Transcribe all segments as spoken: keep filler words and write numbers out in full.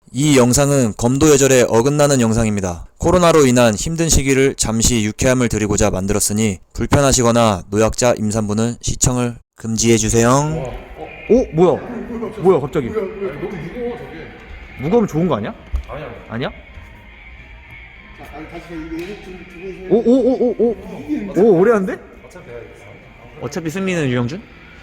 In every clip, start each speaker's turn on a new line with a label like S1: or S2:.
S1: 이 영상은 검도 예절에 어긋나는 영상입니다. 코로나로 인한 힘든 시기를 잠시 유쾌함을 드리고자 만들었으니 불편하시거나 노약자 임산부는 시청을 금지해주세요. 오? 뭐야? 뭐야 갑자기?
S2: 너무 무거워 저게.
S1: 무거우면 좋은 거 아니야?
S2: 아니야.
S1: 아니야?
S3: 아니 다시 이거 좀 두고
S1: 오 오 오 오 오 오 오래 한데?
S2: 어차피 내가 이겼어.
S1: 어차피 승리는 유영준?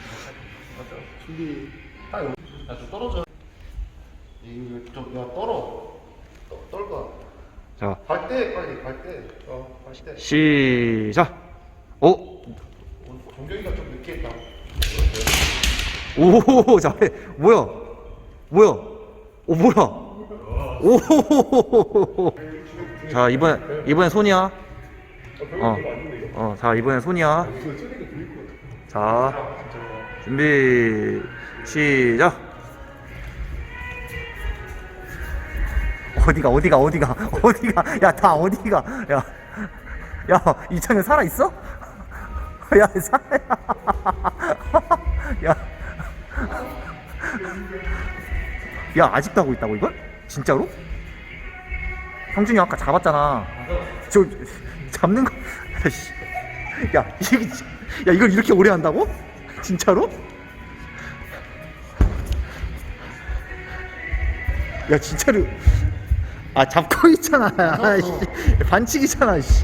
S3: 준비.
S2: 야좀 떨어져.
S3: 이거 좀야 떨어. 떠- 떨까.
S1: 자
S3: 갈 때 빨리 갈 때. 어갈 때.
S1: 시작! 오!
S3: 동경이가 좀 늦게 했다.
S1: 오 잘해. 뭐야? 뭐야? 오 뭐야? 오. 자 이번 이번엔 손이야. 어. 어. 자 이번엔 손이야. 자 준비 시작. 어디가 어디가 어디가 어디가 야 다 어디가 야 야 이창현 살아 있어? 야 살아 야. 야 아직도 하고 있다고 이걸? 진짜로? 형준이 아까 잡았잖아. 저 잡는 거. 야 이게 야 이걸 이렇게 오래 한다고? 진짜로? 야 진짜로. 아 잡고 있잖아. 아이씨. 반칙이잖아. 씨.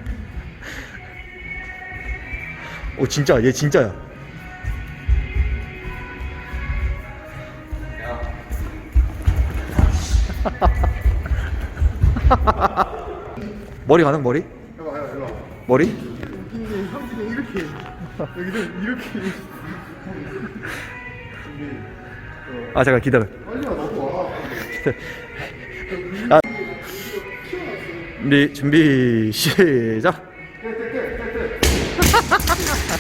S1: 오 진짜 얘 진짜야. 머리 가능 머리?
S3: 해봐 해봐 일로 와.
S1: 머리?
S3: 형진이 형진이 이렇게 여기서 이렇게. 준비.
S1: 아 잠깐 기다려.
S3: 빨리 와 너도 와.
S1: 아. 준비 준비 시작.